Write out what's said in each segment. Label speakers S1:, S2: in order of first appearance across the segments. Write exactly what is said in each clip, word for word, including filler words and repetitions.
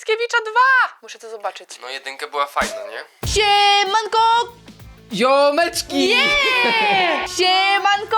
S1: Mickiewicza dwa! Muszę to zobaczyć.
S2: No jedynka była fajna, nie?
S1: Siemanko!
S2: Ziomeczki!
S1: Yeah! Siemanko!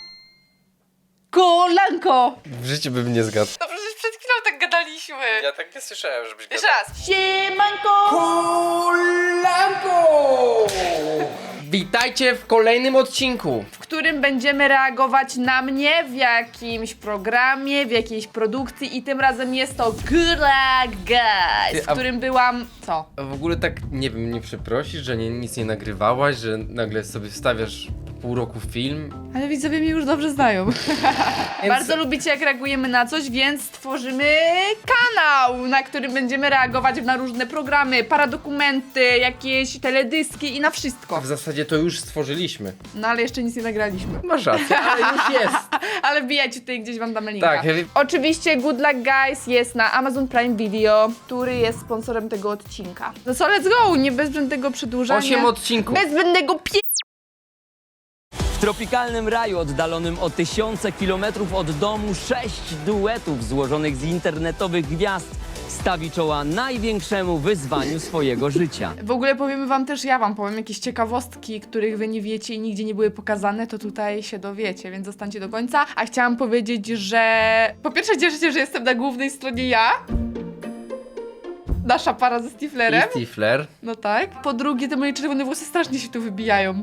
S1: Kolanko!
S2: W życiu bym nie zgadł.
S1: No przecież przed chwilą tak gadaliśmy.
S2: Ja tak nie słyszałem, żebyś
S1: Jeszcze
S2: gadał.
S1: raz. Siemanko!
S2: Kolanko! Witajcie w kolejnym odcinku.
S1: W którym będziemy reagować na mnie w jakimś programie, w jakiejś produkcji i tym razem jest to Gula Guys,
S2: Ty,
S1: w
S2: a-
S1: którym byłam... Co?
S2: A w ogóle tak, nie wiem, nie przeprosisz, że nie, nic nie nagrywałaś, że nagle sobie wstawiasz po pół roku film?
S1: Ale widzowie mnie już dobrze znają.
S2: Więc-
S1: Bardzo lubicie, jak reagujemy na coś, więc stworzymy kanał, na którym będziemy reagować na różne programy, paradokumenty, jakieś teledyski i na wszystko.
S2: W zasadzie to już stworzyliśmy.
S1: No ale jeszcze nic nie nagraliśmy.
S2: Masz rację, ale już jest.
S1: Ale wbijajcie tutaj, gdzieś wam damy linka.
S2: Tak, ja-
S1: Oczywiście Good Luck Guys jest na Amazon Prime Video, który jest sponsorem tego odcinka. No co, let's go! Nie bez zbędnego przedłużania.
S2: Osiem odcinków.
S1: Bez zbędnego pie...
S3: W tropikalnym raju oddalonym o tysiące kilometrów od domu sześć duetów złożonych z internetowych gwiazd stawi czoła największemu wyzwaniu swojego życia.
S1: W ogóle powiemy wam też, ja wam powiem jakieś ciekawostki, których wy nie wiecie i nigdzie nie były pokazane, to tutaj się dowiecie, więc zostańcie do końca. A chciałam powiedzieć, że po pierwsze cieszę się, że jestem na głównej stronie ja. Nasza para ze Stiflerem.
S2: I Stifler.
S1: No tak. Po drugie, te moje czerwone włosy strasznie się tu wybijają.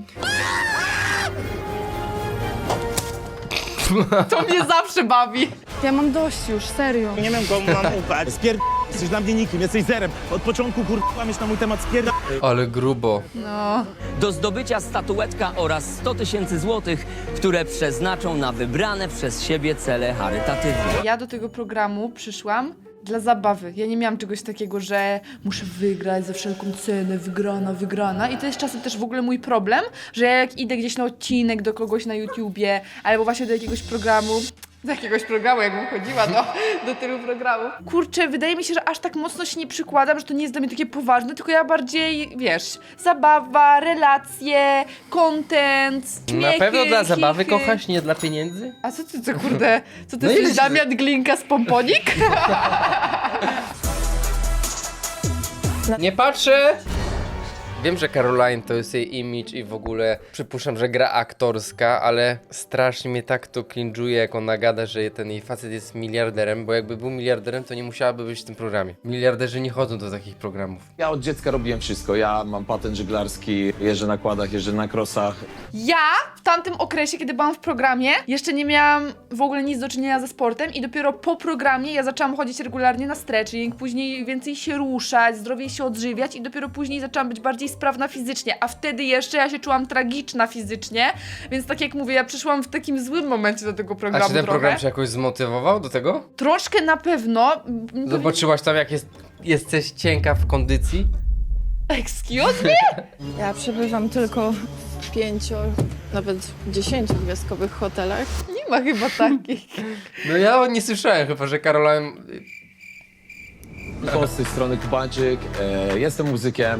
S1: To mnie zawsze bawi. Ja mam dość już, serio.
S4: Nie wiem, komu mam ufać. Spierd... Jesteś dla mnie nikim, jesteś zerem. Od początku kur... kłamiesz na mój temat, spierd...
S2: Ale grubo.
S1: No.
S3: Do zdobycia statuetka oraz sto tysięcy złotych, które przeznaczą na wybrane przez siebie cele charytatywne.
S1: Ja do tego programu przyszłam dla zabawy. Ja nie miałam czegoś takiego, że muszę wygrać za wszelką cenę, wygrana, wygrana. I to jest czasem też w ogóle mój problem, że ja jak idę gdzieś na odcinek do kogoś na YouTubie, albo właśnie do jakiegoś programu, do jakiegoś programu, jakbym chodziła do, do tylu programów. Kurczę, wydaje mi się, że aż tak mocno się nie przykładam, że to nie jest dla mnie takie poważne, tylko ja bardziej, wiesz, zabawa, relacje, content,
S2: Na
S1: śmiechy,
S2: pewno dla zabawy
S1: chichy.
S2: kochasz, nie dla pieniędzy?
S1: A co ty, co kurde, co ty
S2: No
S1: jesteś
S2: ile się-
S1: Damian Glinka z Pomponik?
S2: Nie patrzę! Wiem, że Caroline to jest jej image i w ogóle przypuszczam, że gra aktorska, ale strasznie mnie tak to cringe'uje, jak ona gada, że ten jej facet jest miliarderem, bo jakby był miliarderem, to nie musiałaby być w tym programie. Miliarderzy nie chodzą do takich programów.
S5: Ja od dziecka robiłem wszystko. Ja mam patent żeglarski, jeżdżę na kładach, jeżdżę na krosach.
S1: Ja w tamtym okresie, kiedy byłam w programie, jeszcze nie miałam w ogóle nic do czynienia ze sportem i dopiero po programie ja zaczęłam chodzić regularnie na stretching, później więcej się ruszać, zdrowiej się odżywiać i dopiero później zaczęłam być bardziej sprawna fizycznie, a wtedy jeszcze ja się czułam tragiczna fizycznie, więc tak jak mówię, ja przyszłam w takim złym momencie do tego programu
S2: A czy ten
S1: trochę.
S2: program cię jakoś zmotywował do tego?
S1: Troszkę na pewno.
S2: Zobaczyłaś tam, jak jest, jesteś cienka w kondycji?
S1: Excuse me?
S6: Ja przebywam tylko w pięciu, nawet dziesięciogwiazdkowych hotelach.
S1: Nie ma chyba takich.
S2: No ja nie słyszałem chyba, że Caroline...
S5: To z tej strony Kubańczyk, e, jestem muzykiem.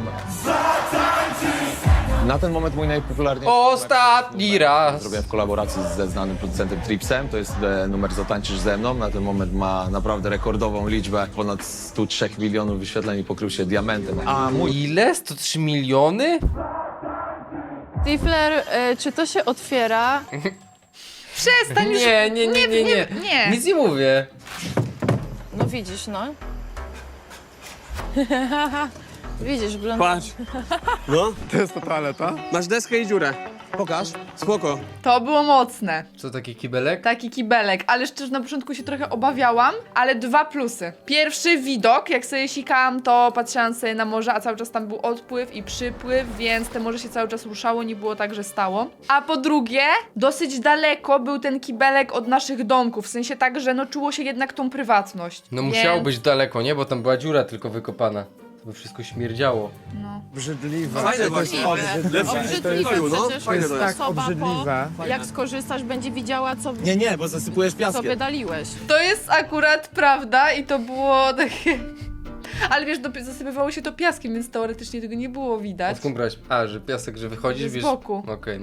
S5: Na ten moment mój najpopularniejszy
S2: Ostatni raz!
S5: zrobiłem w kolaboracji ze znanym producentem Tripsem. To jest e, numer Zatańczysz ze mną. Na ten moment ma naprawdę rekordową liczbę. Ponad sto trzy milionów wyświetleń i pokrył się diamentem. A mój
S2: Ile? sto trzy miliony?
S6: Stifler, y, czy to się otwiera?
S1: Przestań już.
S2: Nie, nie, nie, nie, nie.
S1: nie.
S2: Nic nie mówię.
S6: No widzisz, no. Widzisz, blond...
S7: Patrz, no,
S4: To jest ta toaleta?
S7: masz deskę i dziurę.
S4: Pokaż.
S7: Spoko.
S1: To było mocne.
S2: Co, taki kibelek?
S1: Taki kibelek, ale szczerze na początku się trochę obawiałam, ale dwa plusy. Pierwszy widok, jak sobie sikałam, to patrzyłam sobie na morze, a cały czas tam był odpływ i przypływ, więc te morze się cały czas ruszało, nie było tak, że stało. A po drugie, dosyć daleko był ten kibelek od naszych domków, w sensie tak, że no czuło się jednak tą prywatność.
S2: No
S1: Więc-
S2: musiało być daleko, nie? Bo tam była dziura tylko wykopana. To by wszystko śmierdziało.
S4: Obrzydliwe.
S7: Fajne właśnie.
S6: Obrzydliwe
S7: no,
S6: przecież.
S7: fajne to jest.
S4: Tak,
S6: Osoba
S4: obrzydliwe.
S6: Po, jak skorzystasz, będzie widziała, co,
S4: Nie, nie, bo zasypujesz
S6: co
S4: piaskiem.
S6: wydaliłeś.
S1: To jest akurat prawda i to było takie... Ale wiesz, dopy- zasypywało się to piaskiem, więc teoretycznie tego nie było
S2: A
S1: widać.
S2: skąd brać? A, że piasek, że wychodzisz,
S1: Z
S2: wiesz...
S1: boku.
S2: Okej, no.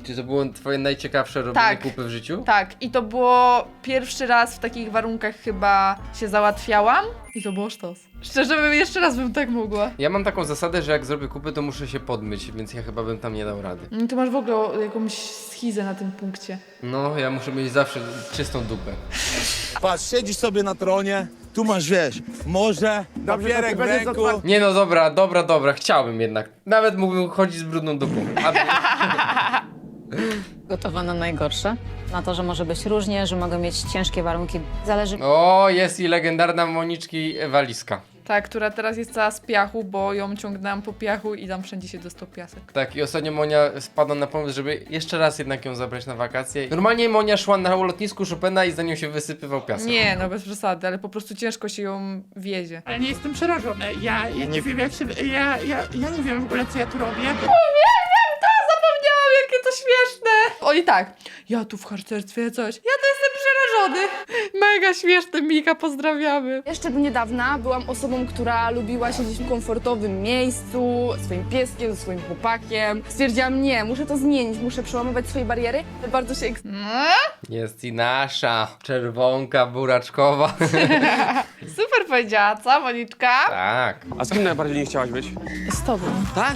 S2: Czy to było twoje najciekawsze robienie
S1: Tak.
S2: kupy w życiu?
S1: Tak, i to było pierwszy raz w takich warunkach chyba się załatwiałam i to było sztos. Szczerze, bym jeszcze raz bym tak mogła.
S2: Ja mam taką zasadę, że jak zrobię kupy, to muszę się podmyć, więc ja chyba bym tam nie dał rady.
S1: Mm, Ty masz w ogóle jakąś schizę na tym punkcie.
S2: No, ja muszę mieć zawsze czystą dupę.
S4: Patrz, siedzisz sobie na tronie, tu masz, wiesz, morze, papierek w ręku.
S2: Nie no, dobra, dobra, dobra, chciałbym jednak. Nawet mógłbym chodzić z brudną dupą. A...
S8: Gotowa na najgorsze. Na to, że może być różnie, że mogą mieć ciężkie warunki. Zależy
S2: O, jest i legendarna Moniczki walizka.
S1: Ta, która teraz jest cała z piachu, bo ją ciągnęłam po piachu i tam wszędzie się dostał piasek.
S2: Tak, i ostatnio Monia spadła na pomysł, żeby jeszcze raz jednak ją zabrać na wakacje. Normalnie Monia szła na lotnisku Chopina i za nią się wysypywał piasek.
S1: Nie, no bez przesady, ale po prostu ciężko się ją wiezie.
S9: Ale nie jestem przerażony. Ja, ja nie wiem jak się... Ja, ja, ja nie wiem w ogóle co ja tu robię.
S1: Zapomniałam, jakie to śmieszne! Oni tak, ja tu w harcerstwie coś, ja to jestem przerażony. Mega śmieszne, Mika, pozdrawiamy.
S6: Jeszcze do niedawna byłam osobą, która lubiła siedzieć w komfortowym miejscu, ze swoim pieskiem, ze swoim chłopakiem. Stwierdziłam, nie, muszę to zmienić, muszę przełamywać swoje bariery. Bardzo się eks-
S1: No,
S2: Jest i nasza czerwonka buraczkowa.
S1: super powiedziała, co, Moniczka?
S2: Tak.
S7: A z kim najbardziej nie chciałaś być?
S6: z tobą.
S7: Tak?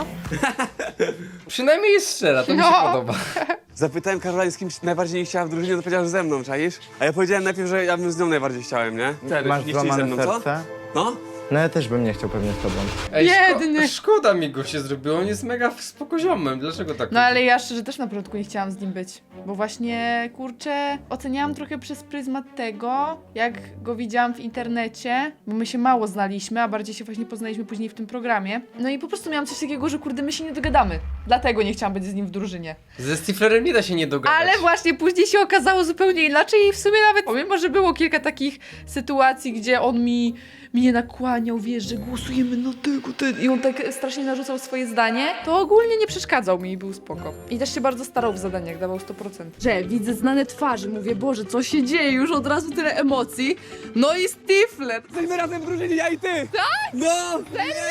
S2: Przynajmniej jest szczera, to mi się
S1: No.
S2: podoba.
S7: Zapytałem Karolina, z kim najbardziej nie chciała w drużynie, to powiedziała, że ze mną, czaisz? A ja powiedziałem najpierw, że ja bym z nią najbardziej chciałem, nie? Serio,
S10: Masz
S7: nie chcieli ze
S10: złamane
S7: mną, co?
S10: serce?
S7: No?
S10: No ja też bym nie chciał pewnie z tobą.
S2: Ej,
S1: Biedny.
S2: szko- szkoda mi go się zrobiło, on jest mega spokoziomem, dlaczego tak?
S1: No ale ja szczerze też na początku nie chciałam z nim być, bo właśnie, kurczę, oceniałam trochę przez pryzmat tego, jak go widziałam w internecie, bo my się mało znaliśmy, a bardziej się właśnie poznaliśmy później w tym programie. No i po prostu miałam coś takiego, że kurde, my się nie dogadamy. Dlatego nie chciałam być z nim w drużynie.
S2: Ze Stiflerem nie da się nie dogadać.
S1: Ale właśnie później się okazało zupełnie inaczej i w sumie nawet, pomimo że było kilka takich sytuacji, gdzie on mi mnie nakłaniał, wiesz, że głosujemy na tego, ten i on tak strasznie narzucał swoje zdanie, to ogólnie nie przeszkadzał mi i był spoko. I też się bardzo starał w zadaniach, dawał sto procent. Że widzę znane twarze, mówię, Boże, co się dzieje, już od razu tyle emocji. No i Stifler.
S7: Jesteśmy razem w drużynie, ja i ty! Tak? No!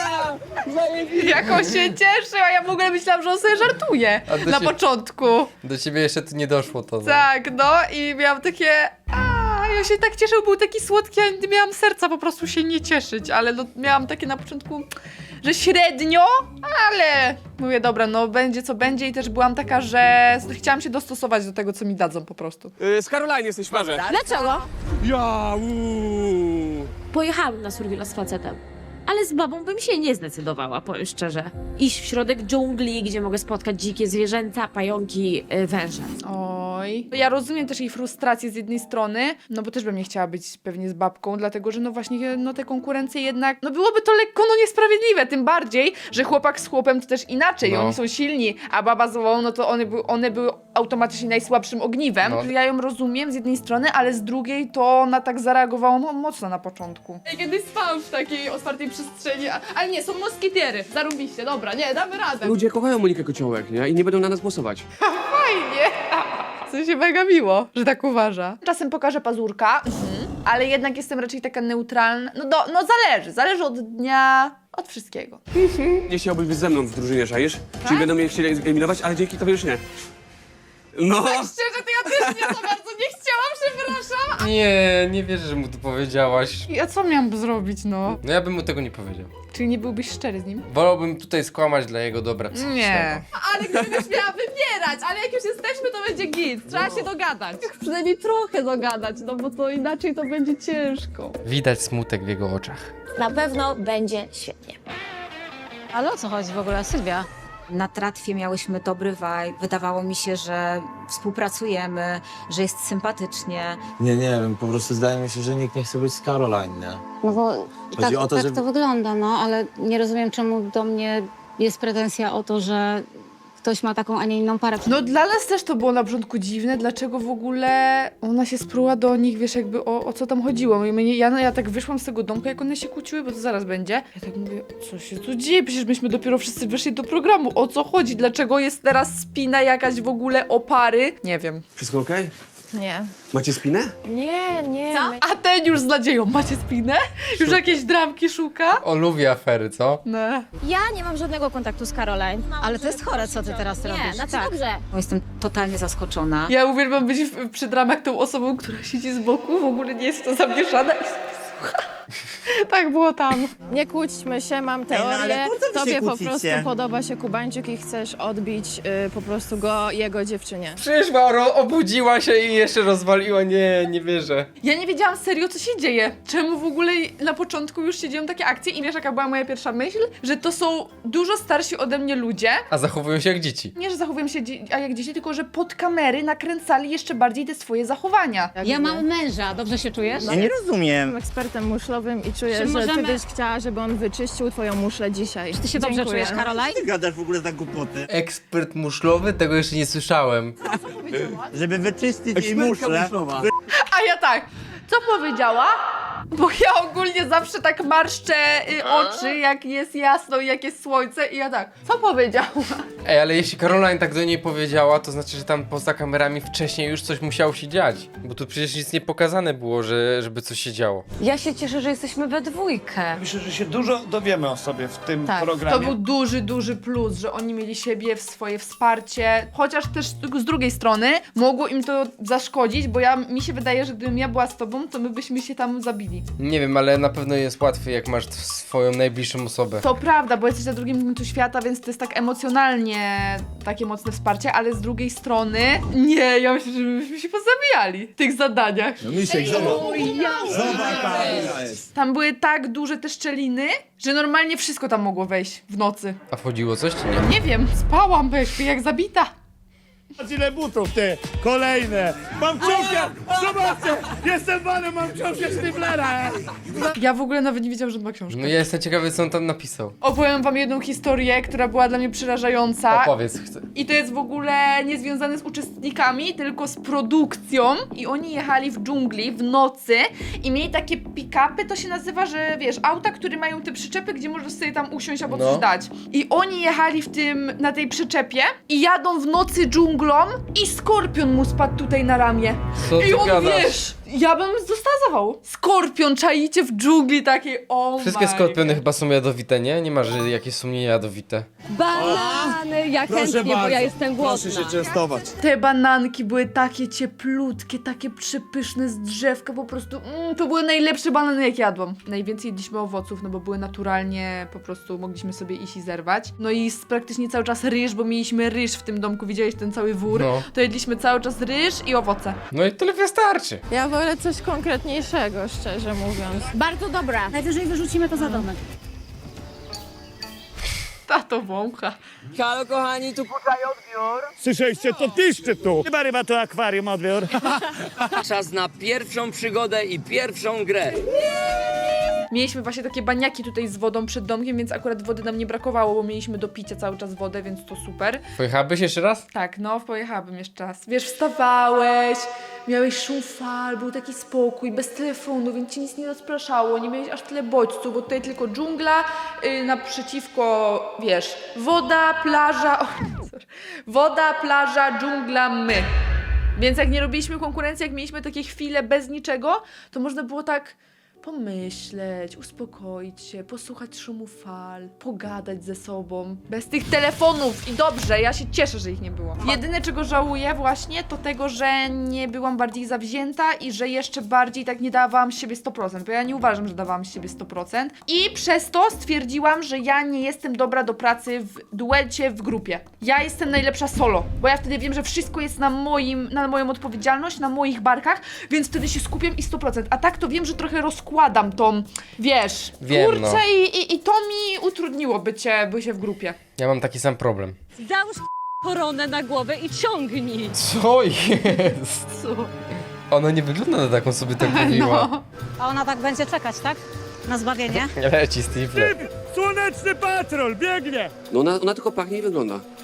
S1: Jak on się cieszył, a ja w ogóle myślałam, że on sobie żartuje
S2: A to
S1: na
S2: się-
S1: początku.
S2: Do ciebie jeszcze tu nie doszło to. No.
S1: Tak, no i miałam takie... A, ja się tak cieszył, był taki słodki, ja nie miałam serca po prostu się nie cieszyć, ale no, miałam takie na początku, że średnio, ale mówię, dobra, no będzie co będzie i też byłam taka, że chciałam się dostosować do tego, co mi dadzą po prostu.
S7: Yy, z Karolina jesteś w parze.
S11: Dlaczego?
S7: Ja, uuu.
S11: Pojechałam na survila z facetem. Ale z babą bym się nie zdecydowała, powiem szczerze. Iść w środek dżungli, gdzie mogę spotkać dzikie zwierzęta, pająki, y, węże.
S1: Oj. Ja rozumiem też jej frustrację z jednej strony, no bo też bym nie chciała być pewnie z babką, dlatego że no właśnie, no te konkurencje jednak, no byłoby to lekko no niesprawiedliwe, tym bardziej, że chłopak z chłopem to też inaczej,
S2: No.
S1: oni są silni, a baba z babą, no to one, by, one były automatycznie najsłabszym ogniwem.
S2: No.
S1: Ja ją rozumiem z jednej strony, ale z drugiej to ona tak zareagowała mo- mocno na początku. Kiedyś spałam w takiej otwartej przestrzeni, ale nie, są moskitiery, zarobiście, dobra, nie, damy radę.
S7: Ludzie kochają Monikę Kociołek, nie? I nie będą na nas głosować.
S1: Fajnie. Co się mega miło, że tak uważa. Czasem pokażę pazurka, mhm. ale jednak jestem raczej taka neutralna. No, do, no zależy, zależy od dnia, od wszystkiego.
S7: Nie chciałbyś być ze mną w drużynie, czaisz? Czyli będą mnie chcieli eliminować, ale dzięki tobie już nie. No!
S1: Szczerze, to ja też nie za bardzo nie chciałam, przepraszam.
S2: Nie, nie wierzę, że mu to powiedziałaś.
S1: Ja co miałam zrobić, no?
S2: No ja bym mu tego nie powiedział.
S1: Czyli nie byłbyś szczery z nim?
S2: Wolałbym tutaj skłamać dla jego dobra psychicznego.
S1: Nie. Ale gdybyś miała wybierać, ale jak już jesteśmy, to będzie git. Trzeba się dogadać. Przynajmniej trochę dogadać, no bo to inaczej to będzie ciężko.
S2: Widać smutek w jego oczach.
S11: Na pewno będzie świetnie.
S8: Ale o co chodzi w ogóle, Sylwia? Na tratwie miałyśmy dobry vibe. Wydawało mi się, że współpracujemy, że jest sympatycznie.
S5: Nie, nie wiem, po prostu zdaje mi się, że nikt nie chce być z Caroline, nie?
S8: No bo
S5: Chodzi o to,
S8: tak
S5: żeby-
S8: to wygląda, no, ale nie rozumiem, czemu do mnie jest pretensja o to, że ktoś ma taką, a nie inną parę.
S1: No dla nas też to było na początku dziwne, dlaczego w ogóle ona się spruła do nich, wiesz, jakby o, o co tam chodziło. I mnie, ja, ja tak wyszłam z tego domku, jak one się kłóciły, bo to zaraz będzie. Ja tak mówię, co się tu dzieje? Przecież myśmy dopiero wszyscy wyszli do programu. O co chodzi? Dlaczego jest teraz spina jakaś w ogóle o pary? Nie wiem.
S7: Wszystko okej?
S6: Nie.
S7: Macie spinę?
S6: Nie, nie.
S8: Co?
S6: my-
S1: A ten już z nadzieją, macie spinę? Już jakieś dramki szuka?
S2: O, lubię afery, co?
S1: No.
S11: Ja nie mam żadnego kontaktu z Caroline.
S8: Ale to jest chore, co ty teraz robisz.
S11: Nie, znaczy
S8: tak.
S11: dobrze.
S8: Bo jestem totalnie zaskoczona.
S1: Ja uwielbiam być w, przy dramach tą osobą, która siedzi z boku, w ogóle nie jest w to zamieszana i sobie słucha. Tak było tam.
S6: Nie kłóćmy się, mam
S4: no
S6: teorię.
S4: ale po co wy się
S6: Tobie po
S4: kłócicie?
S6: prostu podoba się Kubańczyk i chcesz odbić y, po prostu go jego dziewczynie.
S2: Przyszła, ro- obudziła się i jeszcze rozwaliła. Nie, nie wierzę.
S1: Ja nie wiedziałam serio, co się dzieje. Czemu w ogóle na początku już się dzieją takie akcje i wiesz, jaka była moja pierwsza myśl? Że to są dużo starsi ode mnie ludzie.
S2: A zachowują się jak dzieci.
S1: Nie, że zachowują się dzie- a jak dzieci, tylko że pod kamery nakręcali jeszcze bardziej te swoje zachowania.
S8: Ja mam męża, dobrze się czujesz?
S4: Ja nie rozumiem.
S6: Jestem ekspertem muszlowym i czuję,
S8: Czy
S6: że
S8: możemy-
S6: ty byś chciała, żeby on wyczyścił twoją muszlę dzisiaj.
S8: Czy ty się dobrze
S6: Dziękuję.
S8: czujesz, Caroline?
S4: Ty gadasz w ogóle za głupoty.
S2: Ekspert muszlowy? Tego jeszcze nie słyszałem.
S4: Żeby wyczyścić jej muszlę.
S1: A ja tak, co powiedziała? Bo ja ogólnie zawsze tak marszczę y, oczy, jak jest jasno i jak jest słońce i ja tak, co powiedziała?
S2: Ej, ale jeśli Caroline tak do niej powiedziała, to znaczy, że tam poza kamerami wcześniej już coś musiało się dziać. Bo tu przecież nic nie pokazane było, że, żeby coś się działo.
S8: Ja się cieszę, że jesteśmy we dwójkę.
S10: Myślę, że się dużo dowiemy o sobie w tym
S6: Tak,
S10: programie.
S1: To był duży, duży plus, że oni mieli siebie, w swoje wsparcie, chociaż też z drugiej strony mogło im to zaszkodzić, bo ja, mi się wydaje, że gdybym ja była z tobą, to my byśmy się tam zabili.
S2: Nie wiem, ale na pewno jest łatwiej, jak masz swoją najbliższą osobę.
S1: To prawda, bo jesteś na drugim końcu świata, więc to jest tak emocjonalnie takie mocne wsparcie, ale z drugiej strony nie, ja myślę, że byśmy się pozabijali w tych zadaniach.
S4: No Misiek, zobacz.
S1: Tam były tak duże te szczeliny, że normalnie wszystko tam mogło wejść w nocy.
S2: A wchodziło coś czy nie?
S1: Nie wiem, spałam weź, jak zabita.
S4: Zobacz ile butów, ty! Kolejne! Mam książkę! Zobaczcie! Jestem panem, mam książkę Sztyflera!
S1: Ja w ogóle nawet nie wiedziałam, że on ma książkę.
S2: No ja jestem ciekawy, co on tam napisał.
S1: Opowiem wam jedną historię, która była dla mnie przerażająca.
S2: Opowiedz, chcę.
S1: I to jest w ogóle niezwiązane z uczestnikami, tylko z produkcją. I oni jechali w dżungli w nocy i mieli takie pick-upy, to się nazywa, że wiesz, auta, które mają te przyczepy, gdzie możesz sobie tam usiąść albo
S2: No.
S1: coś dać. I oni jechali w tym, na tej przyczepie i jadą w nocy dżunglą i skorpion mu spadł tutaj na ramię.
S2: Co ty
S1: I on,
S2: gadasz?
S1: wiesz, ja bym została zawał. Skorpion, czaicie w dżungli takiej, o
S2: Wszystkie
S1: my
S2: skorpiony chyba są jadowite, nie? Nie ma, że jakieś są nie jadowite.
S11: Banany, ja
S4: Proszę
S11: chętnie, bo
S4: bardzo.
S11: ja jestem głodna.
S4: Proszę się częstować.
S1: Te bananki były takie cieplutkie, takie przepyszne z drzewka, po prostu mm, to były najlepsze banany, jakie jadłam. Najwięcej jedliśmy owoców, no bo były naturalnie, po prostu mogliśmy sobie iść i zerwać. No i z praktycznie cały czas ryż, bo mieliśmy ryż w tym domku, widziałeś ten cały wór?
S2: No.
S1: To jedliśmy cały czas ryż i owoce.
S2: No i tyle wystarczy.
S6: Ja wolę coś konkretniejszego, szczerze mówiąc.
S11: Bardzo dobra.
S8: Najwyżej wyrzucimy to za domek.
S1: Tato wącha.
S3: Halo kochani, tu
S4: Słyszeliście, to piszczy tu! Chyba ryba to akwarium, odbiór.
S3: czas na pierwszą przygodę i pierwszą grę.
S1: Mieliśmy właśnie takie baniaki tutaj z wodą przed domkiem, więc akurat wody nam nie brakowało, bo mieliśmy do picia cały czas wodę, więc to super.
S2: Pojechałabyś jeszcze raz?
S1: Tak, no, pojechałabym jeszcze raz. Wiesz, wstawałeś, miałeś szum fal, był taki spokój, bez telefonu, więc ci nic nie rozpraszało, nie miałeś aż tyle bodźców, bo tutaj tylko dżungla, yy, naprzeciwko, wiesz, woda, plaża, o, sorry. Woda, plaża, dżungla, my. Więc jak nie robiliśmy konkurencji, jak mieliśmy takie chwile bez niczego, to można było tak pomyśleć, uspokoić się, posłuchać szumu fal, pogadać ze sobą, bez tych telefonów i dobrze, ja się cieszę, że ich nie było. Jedyne czego żałuję właśnie to tego, że nie byłam bardziej zawzięta i że jeszcze bardziej tak nie dawałam z siebie sto procent, bo ja nie uważam, że dawałam z siebie sto procent i przez to stwierdziłam, że ja nie jestem dobra do pracy w duecie, w grupie. Ja jestem najlepsza solo, bo ja wtedy wiem, że wszystko jest na moim, na moją odpowiedzialność, na moich barkach, więc wtedy się skupiam i sto procent, a tak to wiem, że trochę rozkładam tą, wiesz,
S2: Wiem,
S1: kurczę
S2: no.
S1: i, i, i to mi utrudniło bycie, bycie w grupie.
S2: Ja mam taki sam problem.
S11: Załóż koronę na głowę i ciągnij.
S2: Co jest?
S1: Co?
S2: Ona nie wygląda na taką, sobie tak mówiła.
S1: No.
S8: A ona tak będzie czekać, tak? Na zbawienie?
S2: Leci Steve.
S4: Słoneczny patrol, biegnie!
S7: No ona, ona tylko pachnie i wygląda.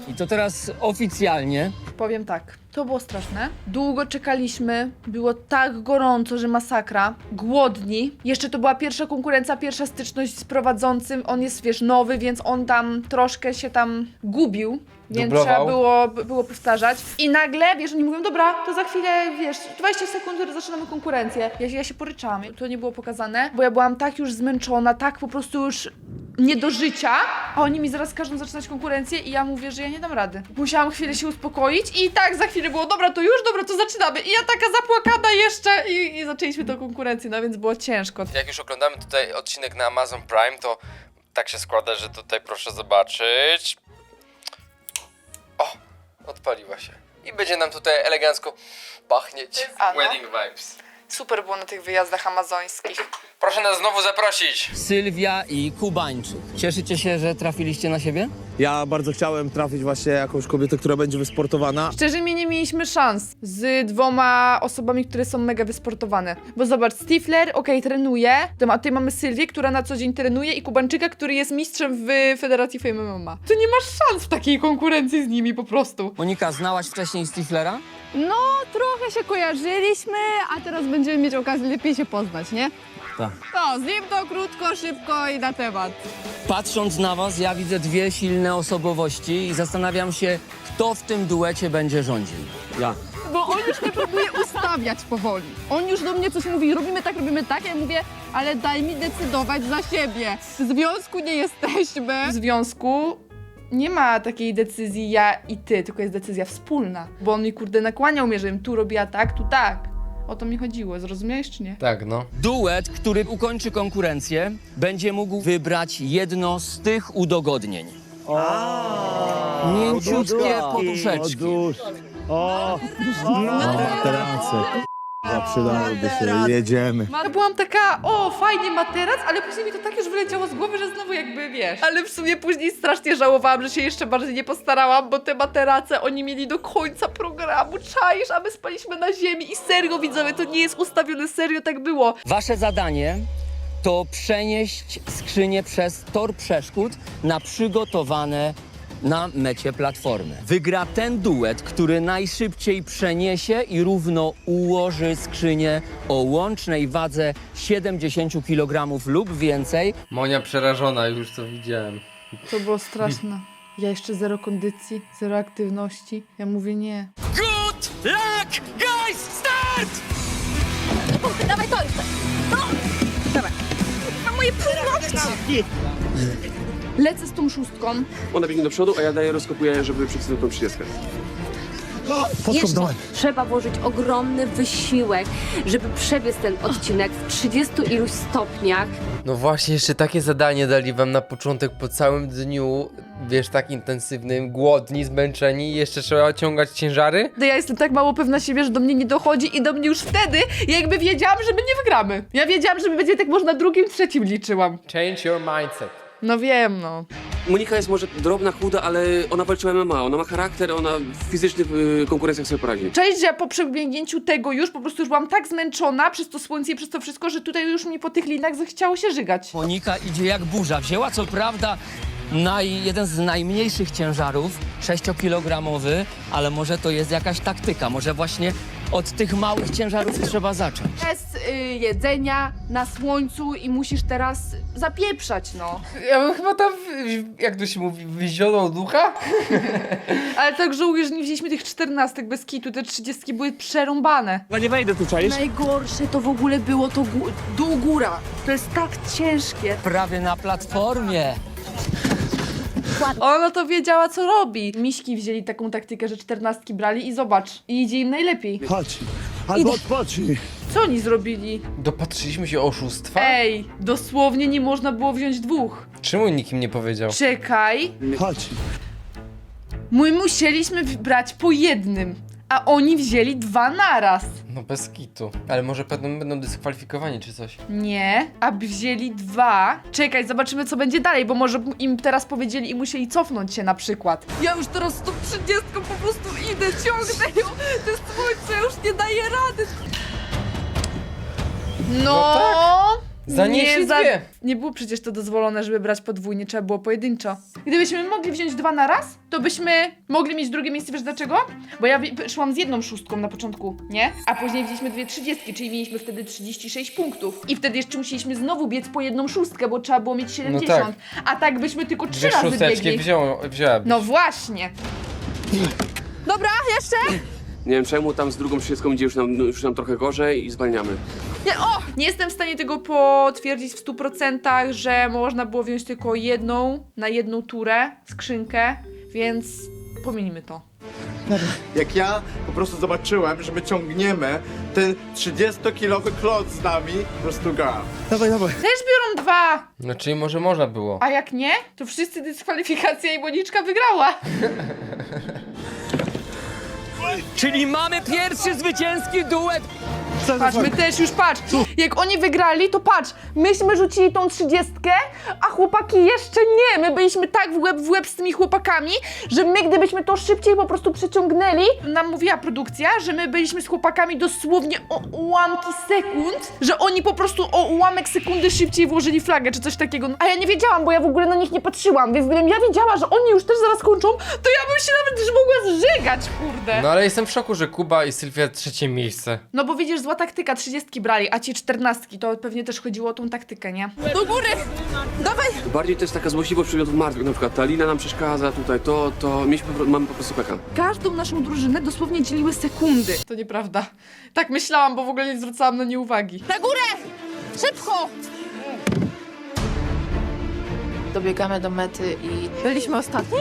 S3: I to teraz oficjalnie.
S1: Powiem tak, to było straszne. Długo czekaliśmy, było tak gorąco, że masakra. Głodni. Jeszcze to była pierwsza konkurencja, pierwsza styczność z prowadzącym. On jest, wiesz, nowy, więc on tam troszkę się tam gubił. Więc
S2: Dublował.
S1: trzeba było, było powtarzać. I nagle, wiesz, oni mówią, dobra, to za chwilę, wiesz, dwadzieścia sekund, zaczynamy konkurencję. Ja, się- ja się poryczałam. To nie było pokazane, bo ja byłam tak już zmęczona, tak po prostu już nie do życia, a oni mi zaraz każą zaczynać konkurencję i ja mówię, że ja nie dam rady. Musiałam chwilę się uspokoić i tak za chwilę było, dobra, to już, dobra, to zaczynamy. I ja taka zapłakana jeszcze i, i zaczęliśmy tę konkurencję, no więc było ciężko.
S2: Jak już oglądamy tutaj odcinek na Amazon Prime, to tak się składa, że tutaj proszę zobaczyć. O, odpaliła się. I będzie nam tutaj elegancko pachnieć.
S1: A no.
S2: Wedding vibes.
S1: Super było na tych wyjazdach amazońskich.
S2: Proszę nas znowu zaprosić.
S3: Sylwia i Kubańczyk. Cieszycie się, że trafiliście na siebie?
S7: Ja bardzo chciałem trafić właśnie jakąś kobietę, która będzie wysportowana.
S1: Szczerze mi nie mieliśmy szans z dwoma osobami, które są mega wysportowane. Bo zobacz, Stifler, okej, trenuje, a tutaj mamy Sylwię, która na co dzień trenuje i Kubańczyka, który jest mistrzem w Federacji Fame M M A. To nie masz szans w takiej konkurencji z nimi po prostu.
S3: Monika, znałaś wcześniej Stiflera?
S6: No, trochę się kojarzyliśmy, a teraz będziemy mieć okazję lepiej się poznać, nie?
S3: Tak.
S6: No, z nim to krótko, szybko i na temat.
S3: Patrząc na was, ja widzę dwie silne osobowości i zastanawiam się, kto w tym duecie będzie rządził.
S7: Ja.
S6: Bo on już mnie próbuje ustawiać powoli. On już do mnie coś mówi, robimy tak, robimy tak, ja mówię, ale daj mi decydować za siebie. W związku nie jesteśmy.
S1: W związku nie ma takiej decyzji ja i ty, tylko jest decyzja wspólna. Bo on mi kurde nakłaniał mnie, żebym tu robiła tak, tu tak. O to mi chodziło, zrozumiałeś czy nie?
S2: Tak, no.
S3: Duet, który ukończy konkurencję, będzie mógł wybrać jedno z tych udogodnień. Mięciutkie poduszeczki.
S4: O, materace. Przydałyby się, jedziemy.
S1: Ja byłam taka, o fajnie materac, ale później mi to tak już wyleciało z głowy, że znowu jakby wiesz. Ale w sumie później strasznie żałowałam, że się jeszcze bardziej nie postarałam, bo te materace oni mieli do końca programu, czaisz, a my spaliśmy na ziemi i serio widzowie, to nie jest ustawione, serio tak było.
S3: Wasze zadanie to przenieść skrzynię przez tor przeszkód na przygotowane na mecie platformy. Wygra ten duet, który najszybciej przeniesie i równo ułoży skrzynię o łącznej wadze siedemdziesiąt kilogramów lub więcej.
S2: Monia przerażona, już to widziałem.
S1: To było straszne. Ja jeszcze zero kondycji, zero aktywności. Ja mówię nie.
S3: Good luck, guys! Start!
S8: Dawaj to jeszcze! No! Dawaj. Na moje północki!
S1: Lecę z tą szóstką.
S7: Ona biegnie do przodu, a ja daję, rozkopuję, żeby przeczytać tą trzydziestkę.
S11: Jeszcze trzeba włożyć ogromny wysiłek, żeby przebiec ten odcinek w trzydziestu iluś stopniach.
S2: No właśnie, jeszcze takie zadanie dali wam na początek po całym dniu, wiesz, tak intensywnym, głodni, zmęczeni i jeszcze trzeba ciągać ciężary?
S1: Ja jestem tak mało pewna siebie, że do mnie nie dochodzi i do mnie już wtedy ja jakby wiedziałam, że my nie wygramy. Ja wiedziałam, że my będzie tak może na drugim, trzecim liczyłam.
S2: Change your mindset.
S1: No wiem, no.
S7: Monika jest może drobna, chuda, ale ona walczyła M M A. Ona ma charakter, ona w fizycznych y, konkurencjach sobie poradzi.
S1: Cześć, że ja po przebiegnięciu tego już po prostu już byłam tak zmęczona przez to słońce i przez to wszystko, że tutaj już mi po tych linach zachciało się żygać.
S3: Monika idzie jak burza. Wzięła co prawda naj, jeden z najmniejszych ciężarów, sześciokilogramowy, ale może to jest jakaś taktyka. Może właśnie od tych małych ciężarów trzeba zacząć.
S1: Bez y, jedzenia, na słońcu i musisz teraz zapieprzać, no.
S2: Ja bym chyba tam, jak to się mówi, wyzionął ducha?
S1: Ale tak żałuję, że nie wzięliśmy tych czternastek bez kitu, te trzydziestki były przerąbane.
S7: Ja nie wejdę tu, czaisz?
S1: Najgorsze to w ogóle było to gó- dół góra. To jest tak ciężkie.
S3: Prawie na platformie.
S1: Ona to wiedziała, co robi. Miśki wzięli taką taktykę, że czternastki brali i zobacz, i idzie im najlepiej.
S4: Chodź, albo odpocznij.
S1: Co oni zrobili?
S2: Dopatrzyliśmy się oszustwa?
S1: Ej, dosłownie nie można było wziąć dwóch.
S2: Czemu nikim nie powiedział?
S1: Czekaj,
S4: Chodź.
S1: my musieliśmy w- brać po jednym, a oni wzięli dwa naraz.
S2: No bez kitu. Ale może będą, będą dyskwalifikowani czy coś.
S1: Nie, aby wzięli dwa. Czekaj, zobaczymy co będzie dalej, bo może im teraz powiedzieli i musieli cofnąć się na przykład. Ja już teraz z tą trzydziestką po prostu idę, ciągnę ją. To słońce już nie daje rady. No,
S2: No Za nie
S1: za,
S2: dwie.
S1: nie było przecież to dozwolone, żeby brać podwójnie, trzeba było pojedynczo. Gdybyśmy mogli wziąć dwa na raz, to byśmy mogli mieć drugie miejsce, wiesz dlaczego? Bo ja wi- szłam z jedną szóstką na początku, nie? A później wzięliśmy dwie trzydziestki, czyli mieliśmy wtedy trzydzieści sześć punktów. I wtedy jeszcze musieliśmy znowu biec po jedną szóstkę, bo trzeba było mieć siedemdziesiąt. A tak byśmy tylko trzy
S2: Dwie
S1: razy
S2: szósteczki
S1: biegli.
S2: wziął, wzięłabyś.
S1: No właśnie.
S6: Dobra, jeszcze?
S7: Nie wiem czemu, tam z drugą trzydziestką idzie już nam, już nam trochę gorzej i zwalniamy.
S1: Nie, o! Nie jestem w stanie tego potwierdzić w stu procentach, że można było wziąć tylko jedną na jedną turę skrzynkę, więc pominimy to.
S10: Jak ja po prostu zobaczyłem, że my ciągniemy ten trzydziestokilowy klot z nami, po prostu ga. Dawaj, dawaj.
S1: Też biorą dwa!
S2: No czyli może można było.
S1: A jak nie, to wszyscy dyskwalifikacja i Moniczka wygrała.
S3: Czyli mamy pierwszy zwycięski duet.
S1: Patrz, my też już patrz. Jak oni wygrali, to patrz, myśmy rzucili tą trzydziestkę, a chłopaki jeszcze nie. My byliśmy tak w łeb w łeb z tymi chłopakami, że my gdybyśmy to szybciej po prostu przeciągnęli, nam mówiła produkcja, że my byliśmy z chłopakami dosłownie o ułamki sekund, że oni po prostu o ułamek sekundy szybciej włożyli flagę czy coś takiego. A ja nie wiedziałam, bo ja w ogóle na nich nie patrzyłam, więc gdybym ja wiedziała, że oni już też zaraz kończą, to ja bym się nawet już mogła zżygać, kurde.
S2: No ale jestem w szoku, że Kuba i Sylwia trzecie miejsce.
S1: No bo widzisz, zła taktyka, trzydziestki brali, a ci czternastki, to pewnie też chodziło o tą taktykę, nie?
S6: Do góry! Dawaj!
S7: Bardziej to jest taka złośliwość przedmiotów martwych, na przykład ta lina nam przeszkadza tutaj, to, to mieliśmy, po pro- mamy po prostu pecha.
S1: Każdą naszą drużynę dosłownie dzieliły sekundy. To nieprawda. Tak myślałam, bo w ogóle nie zwracałam na nie uwagi.
S6: Na górę! Szybko!
S12: Dobiegamy do mety i
S6: Byliśmy ostatni?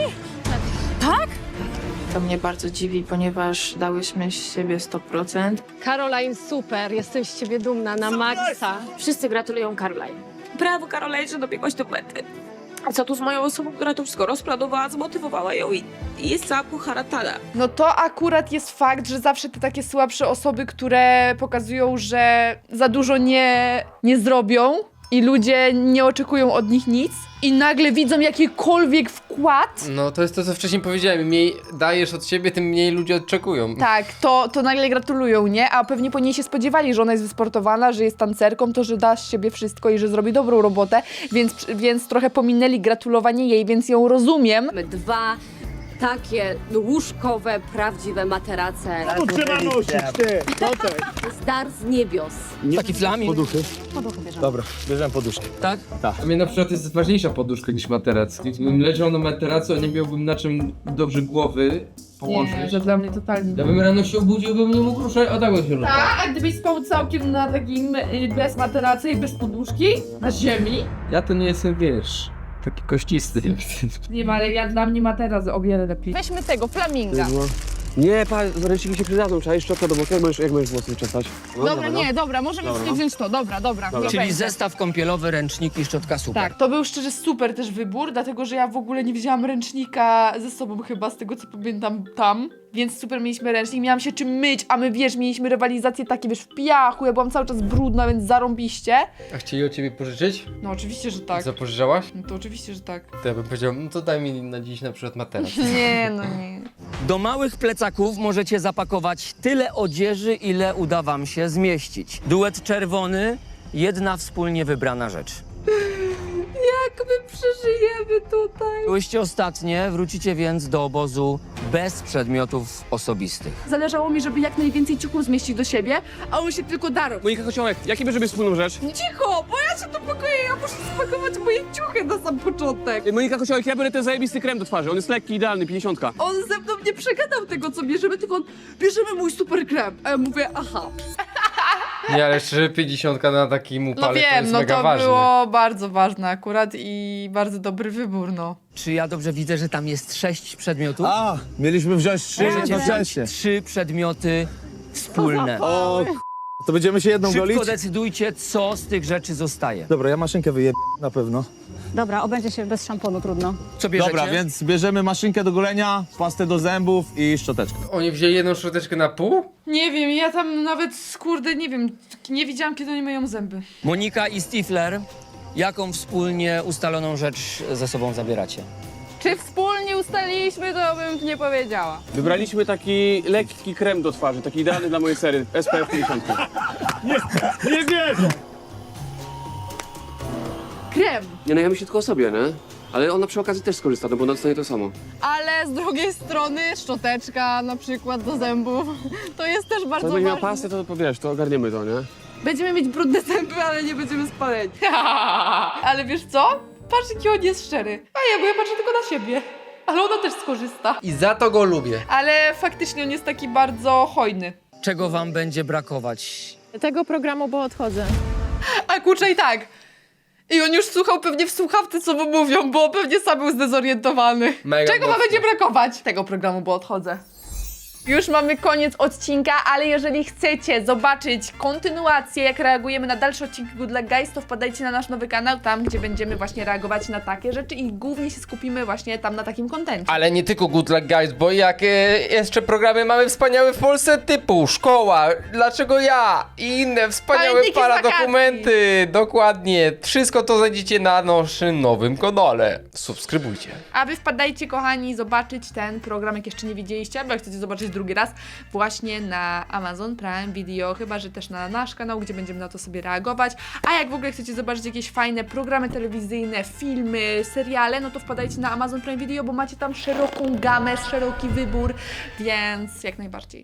S12: to mnie bardzo dziwi, ponieważ dałyśmy z siebie sto procent.
S11: Caroline, super, jestem z ciebie dumna na maksa. Wszyscy gratulują Caroline. Brawo, Caroline, że dobiegłaś do mety. A co tu z moją osobą, która to wszystko rozplanowała, zmotywowała ją i, i jest cała poharatana.
S1: No to akurat jest fakt, że zawsze te takie słabsze osoby, które pokazują, że za dużo nie, nie zrobią i ludzie nie oczekują od nich nic i nagle widzą jakikolwiek wkład,
S2: No to jest to, co wcześniej powiedziałem. Im mniej dajesz od siebie, tym mniej ludzie oczekują.
S1: tak, to, to nagle gratulują, nie? A pewnie po niej się spodziewali, że ona jest wysportowana, że jest tancerką, to że da z siebie wszystko i że zrobi dobrą robotę, więc, więc trochę pominęli gratulowanie jej, więc ją rozumiem.
S11: Dwa takie łóżkowe, prawdziwe materace.
S4: To trzeba nosić, ty! No tak.
S11: Z dar z niebios.
S3: Taki flamin.
S10: Poduchy? Dobra, bierzemy poduszkę.
S3: Tak?
S2: A mnie na przykład jest ważniejsza poduszka niż materac. Gdybym leżał na materacu, a nie miałbym na czym dobrze głowy położyć.
S1: że dla mnie totalnie
S2: Ja bym rano się obudził, bym nie mógł ruszać, a tak bym się ruszał.
S1: A, a gdybyś spał całkiem na takim y, bez materacy i bez poduszki? Na ziemi?
S2: Ja to nie jestem, wiesz, taki kościsty.
S1: Nie ma, ale ja dla mnie materac o wiele lepiej.
S6: Weźmy tego, flaminga.
S7: Nie, pa, ręczniki się przydadzą, trzeba jeszcze szczotkę do boku, jak możesz, jak możesz włosy czesać? No,
S6: Dobra, nie, dobra, możemy
S7: Dobra,
S6: sobie
S7: no.
S6: wziąć to, dobra, dobra. niech
S3: Czyli
S6: będzie.
S3: zestaw kąpielowy, ręczniki, szczotka super.
S1: Tak, to był szczerze super też wybór, dlatego że ja w ogóle nie wzięłam ręcznika ze sobą chyba, z tego co pamiętam tam, więc super mieliśmy ręcznik, miałam się czym myć, a my wiesz, mieliśmy rywalizacje takie, wiesz, w piachu, ja byłam cały czas brudna, więc zarąbiście.
S2: A chcieli od ciebie pożyczyć?
S1: No oczywiście, że tak.
S2: Co, pożyczałaś?
S1: No to oczywiście, że tak.
S2: To ja bym powiedział, no to daj mi na dziś na przykład materac.
S1: Nie, no nie.
S3: Do małych plecaków możecie zapakować tyle odzieży, ile uda wam się zmieścić. Duet czerwony, jedna wspólnie wybrana rzecz.
S1: Jak my przeżyjemy tutaj?
S3: Byłyście ostatnie, wrócicie więc do obozu bez przedmiotów osobistych.
S6: Zależało mi, żeby jak najwięcej ciuchów zmieścić do siebie, a on się tylko darł.
S7: Monika Kociołek, jakie bierzemy wspólną rzecz?
S6: Cicho, bo ja się tu pokoję, ja muszę spakować moje ciuchy na sam początek.
S7: Monika Kociołek, ja biorę ten zajebisty krem do twarzy, on jest lekki, idealny, pięćdziesiątka.
S6: On ze mną nie przegadał tego, co bierzemy, tylko on, bierzemy mój super krem. A ja mówię, aha.
S2: Nie, ale szczerze, pięćdziesiątka na takim
S1: No
S2: upale to
S1: wiem,
S2: jest
S1: no
S2: mega
S1: to
S2: ważne.
S1: było bardzo ważne akurat i bardzo dobry wybór, no.
S3: Czy ja dobrze widzę, że tam jest sześć przedmiotów?
S10: A, mieliśmy wziąć trzy
S3: Możecie wziąć
S10: jednocześnie.
S3: trzy przedmioty wspólne.
S10: O, k- to będziemy się jedną golić?
S3: Szybko decydujcie, co z tych rzeczy zostaje.
S10: Dobra, ja maszynkę wyjeb na pewno.
S8: Dobra, obędzie się bez szamponu, trudno.
S3: Co bierzecie?
S10: Dobra, więc bierzemy maszynkę do golenia, pastę do zębów i szczoteczkę.
S2: Oni wzięli jedną szczoteczkę na pół?
S1: Nie wiem, ja tam nawet, kurde, nie wiem, nie widziałam, kiedy oni myją zęby.
S3: Monika i Stifler, jaką wspólnie ustaloną rzecz ze sobą zabieracie?
S6: Czy wspólnie ustaliliśmy, to bym nie powiedziała.
S7: Wybraliśmy taki lekki krem do twarzy, taki idealny dla mojej sery, S P F pięćdziesiąt.
S4: Nie wierzę!
S6: krem.
S7: Nie, no ja myślę tylko o sobie, nie? Ale ona przy okazji też skorzysta, no bo ona dostanie to samo.
S6: Ale z drugiej strony szczoteczka na przykład do zębów, to jest też bardzo
S7: Co będzie miała
S6: ważne.
S7: pasję, to powiesz, to ogarniemy to, nie?
S6: Będziemy mieć brudne zęby, ale nie będziemy spaleni.
S1: Ale wiesz co? Patrz, jaki on jest szczery. A ja, bo ja patrzę tylko na siebie. Ale ona też skorzysta.
S2: I za to go lubię.
S1: Ale faktycznie on jest taki bardzo hojny.
S3: Czego wam będzie brakować?
S11: Tego programu, bo odchodzę.
S1: A kurczę i tak. I on już słuchał pewnie w słuchawce, co mu mówią, bo pewnie sam był zdezorientowany.
S2: Mega
S1: Czego ma
S2: mocno.
S1: będzie brakować? Tego programu, bo odchodzę. Już mamy koniec odcinka, ale jeżeli chcecie zobaczyć kontynuację, jak reagujemy na dalsze odcinki Good Luck Guys, to wpadajcie na nasz nowy kanał, tam gdzie będziemy właśnie reagować na takie rzeczy i głównie się skupimy właśnie tam na takim kontencie.
S2: Ale nie tylko Good Luck Guys, bo jak e, jeszcze programy mamy wspaniałe w Polsce typu Szkoła, Dlaczego ja i inne wspaniałe
S1: Pamiętniki z
S2: paradokumenty. Dokładnie. Wszystko to znajdziecie na naszym nowym kanale. Subskrybujcie.
S1: A wy wpadajcie, kochani, zobaczyć ten program, jak jeszcze nie widzieliście, albo jak chcecie zobaczyć drugi raz, właśnie na Amazon Prime Video, chyba że też na nasz kanał, gdzie będziemy na to sobie reagować. A jak w ogóle chcecie zobaczyć jakieś fajne programy telewizyjne, filmy, seriale, no to wpadajcie na Amazon Prime Video, bo macie tam szeroką gamę, szeroki wybór, więc jak najbardziej.